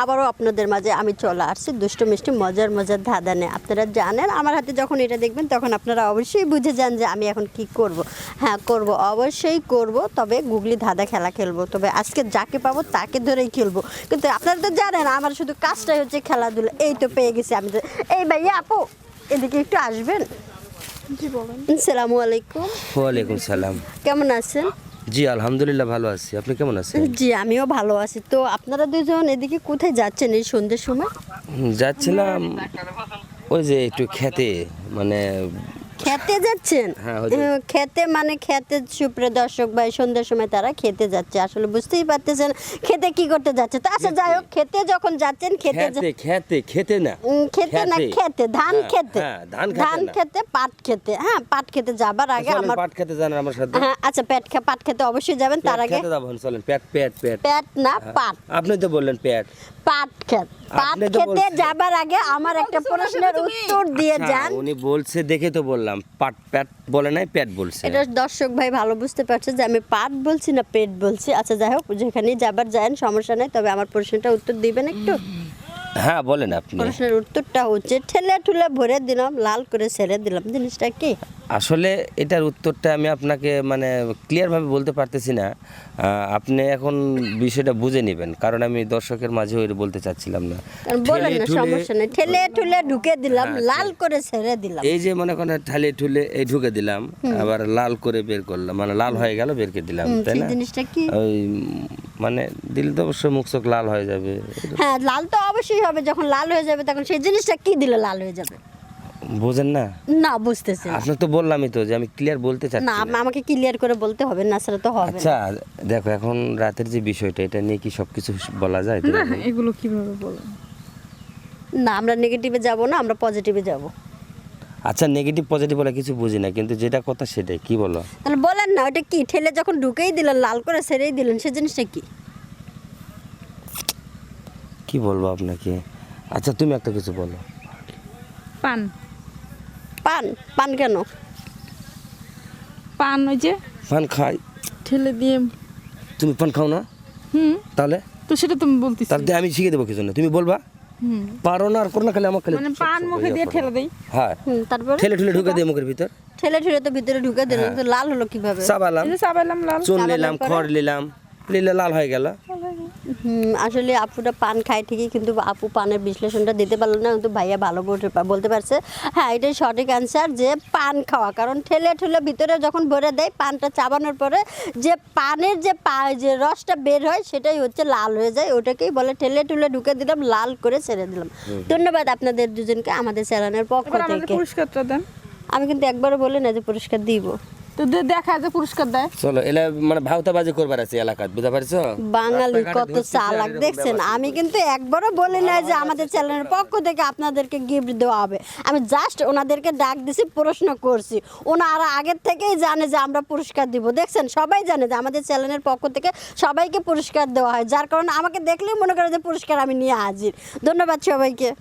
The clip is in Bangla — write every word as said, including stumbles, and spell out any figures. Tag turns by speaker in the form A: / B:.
A: আবারও আপনাদের মাঝে আমি চলে আসছি দুষ্টু মিষ্টি মজার মজার ধাঁধা নিয়ে। আপনারা জানেন আমার হাতে যখন এটা দেখবেন তখন আপনারা অবশ্যই বুঝে যান যে আমি এখন কি করব। হ্যাঁ করব, অবশ্যই করব, তবে গুগলি ধাঁধা খেলা খেলবো। তবে আজকে যাকে পাবো তাকে ধরেই খেলবো। কিন্তু আপনারা তো জানেন আমার শুধু কাজটাই হচ্ছে খেলাধুলা। এই তো পেয়ে গেছি আমি। এই ভাইয়া আপু এদিকে একটু আসবেন।
B: জি বলেন।
A: আসসালামু আলাইকুম।
C: ওয়ালাইকুম সালাম।
A: কেমন আছেন?
C: জি আলহামদুলিল্লাহ ভালো আছি, আপনি কেমন আছেন?
A: জি আমিও ভালো আছি। তো আপনারা দুজন এদিকে কোথায় যাচ্ছেন এই সন্ধ্যের সময়?
C: হুম, যাচ্ছিলাম ওই যে একটু খেতে, মানে
A: খেতে যাচ্ছেন?
C: হ্যাঁ, ওই যে-
A: আহ, খেতে মানে খেতে সুপ্রিয় দর্শক ভাই সন্ধ্যার সময় তারা খেতে যাচ্ছে। আসলে বুঝতেই পারতেছেন খেতে কি করতে যাচ্ছে। তো আচ্ছা যাই হোক, খেতে যখন যাচ্ছেন খেতে যা-
C: খেতে খেতে খেতে না
A: উম, খেতে না খেতে ধান
C: হ্যাঁ,
A: খেতে
C: হ্যাঁ, ধান খেতে
A: ধান
C: না।
A: খেতে পাট খেতে। হ্যাঁ পাট খেতে যাবার আগে
C: চলেন,
A: আমার
C: পাট খেতে জানেন আমার সাথে?
A: হ্যাঁ আচ্ছা পেট খে পাট খেতে অবশ্যই যাবেন। তার
C: পেট
A: আগে
C: খেতে যাবেন, চলেন। পেট পেট পেট
A: পেট না
C: হ্যাঁ,
A: পাট
C: আপনি তো বললেন পেট।
A: পাট খেত পাট
C: আপনি তো
A: খেতে
C: বলছেন।
A: যাবার আগে আমার একটা প্রশ্নের উত্তর দিয়ে
C: আচ্ছা,
A: যান।
C: উনি বলছে দেখে তো বললাম, পাট পেট বলে নাই, পেট বলছে।
A: এটা দর্শক ভাই ভালো বুঝতে পারছে যে আমি পাট বলছি না পেট বলছি। আচ্ছা যাই হোক, যেখানেই যাবার যান সমস্যা নেই, তবে আমার প্রশ্নটা উত্তর দিবেন একটু।
C: হ্যাঁ বলেন আপনি।
A: প্রশ্নের উত্তরটা হচ্ছে ঠেলে ঠুলে ভরে দিলাম লাল করে ছেড়ে দিলাম, জিনিসটা কি?
C: আসলে এটার উত্তরটা আমি আপনাকে মানে ক্লিয়ারভাবে বলতে পারতেছি না। আহ, আপনি এখন বিষয়টা বুঝে নেবেন, কারণ আমি দর্শকের মাঝে ওই বলতে চাচ্ছিলাম না।
A: কারণ বলেন না,
C: ঠেলে ঠুলে-
A: সমস্যা নেই। ঠেলে ঠুলে ঢুকে দিলাম
C: হ্যাঁ,
A: লাল করে ছেড়ে দিলাম।
C: এই যে মনে করেন ঠালে ঠুলে এই ঢুকে দিলাম, আবার লাল করে বের করলাম, মানে লাল হয়ে গেল বের করে দিলাম,
A: হুম,
C: তাই
A: সেই
C: না?
A: জিনিসটা কি?
C: ওই উম, মানে দিলে তো অবশ্যই মুখ চোখ লাল হয়ে যাবে।
A: হ্যাঁ লাল তো অবশ্যই হবে, যখন লাল হয়ে যাবে তখন সেই জিনিসটা কি দিলে লাল হয়ে যাবে?
C: বোঝেন না?
A: না বুঝতেছি না।
C: আপনার তো বললামই তো যে আমি ক্লিয়ার বলতে
A: না
C: চাচ্ছি না।
A: আম- আমাকে ক্লিয়ার করে বলতে হবে না, সেটা তো হবে না।
C: আচ্ছা দেখো, এখন রাতের যে বিষয়টা, এটা নিয়ে কি সবকিছু বলা যায়?
B: না এগুলো কিভাবে বলেন?
A: না আমরা নেগেটিভে যাব না, আমরা পজিটিভে যাব।
C: আচ্ছা নেগেটিভ পজিটিভ বলে কিছু বুঝি না, কিন্তু যেটা কথা সেটাই, কি বলো?
A: তাহলে বলেন না ওটা কি? ঠেলে যখন ঢুকেই দিলেন লাল করে ছেড়েই দিলেন, সেই জিনিসটা কি?
C: কি বলবো আপনাকে? আচ্ছা তুমি একটা কিছু বলো।
B: পান।
A: পান? পান কেন?
B: পান ওই যে
C: পান খাই?
B: ঠেলে দিয়ে।
C: তুমি পান খাও না?
B: হুম,
C: তাহলে
B: তো সেটা তুমি বলতেছি।
C: তাহলে আমি শিখে দেবো কিছু না, তুমি বলবা
B: হুম,
C: পারো না আর করো না, খালি আমার খালি
B: মানে পান মুখে দিয়ে ঠেলে দেই।
C: হ্যাঁ
A: হুম, তারপরে
C: ঠেলে ঠেলে ঢুকে দিয়ে মুখের ভিতর
A: ঠেলে ঠেলে তো ভিতরে ঢুকে দিলেন,
C: হ্যাঁ।
A: তো লাল হলো কিভাবে?
C: চাবালাম,
B: এই যে চাবাইলাম লাল।
C: চুন
A: চাবানোর
C: নিলাম,
A: পরে?
C: খড় নিলাম, নিলে লাল হয়ে গেল।
A: হুম, আসলে আপুটা পান খায় ঠিকই, কিন্তু আপু পানের বিশ্লেষণটা দিতে পারলো না, কিন্তু ভাইয়া ভালো বলতে- বলতে পারছে। হ্যাঁ এটাই সঠিক অ্যান্সার, যে পান খাওয়া। কারণ ঠেলে ঠেলে ভিতরে যখন ভরে দেয়, পানটা চাবানোর পরে যে পানের যে পা যে রসটা বের হয় সেটাই হচ্ছে লাল হয়ে যায়, ওটাকেই বলে ঠেলে ঠুলে ঢুকে দিলাম লাল করে ছেড়ে দিলাম। ধন্যবাদ আপনাদের দুজনকে আমাদের চ্যানেলের পক্ষ
B: এবার আমাদের
A: থেকে।
B: পুরস্কারটা দেন।
A: আমি কিন্তু একবারও বলি না যে পুরস্কার দিব।
B: তো দে- দেখা যে পুরস্কার দেয়।
C: চলো এলা মানে ভাওতাবাজি করবার আছে এলাকাত, বুঝতে পারছো?
A: বাঙালি
C: রাস্তাঘাটে
A: কত
C: ঘুরতেছে, আর
A: চালাক
C: এরকম
A: দেখছেন।
C: ব্যবহার
A: আমি
C: করবে।
A: কিন্তু একবারও বলি না যে আমাদের চ্যানেলের পক্ষ থেকে আপনাদেরকে গিফট দেওয়া হবে। আমি জাস্ট ওনাদেরকে ডাক দিছি, প্রশ্ন করছি। ওনারা আগের থেকেই জানে যে আমরা পুরস্কার দিব। দেখছেন সবাই জানে যে আমাদের চ্যানেলের পক্ষ থেকে সবাইকে পুরস্কার দেওয়া হয়, যার কারণে আমাকে দেখলেই মনে করে যে পুরস্কার আমি নিয়ে হাজির। ধন্যবাদ সবাইকে।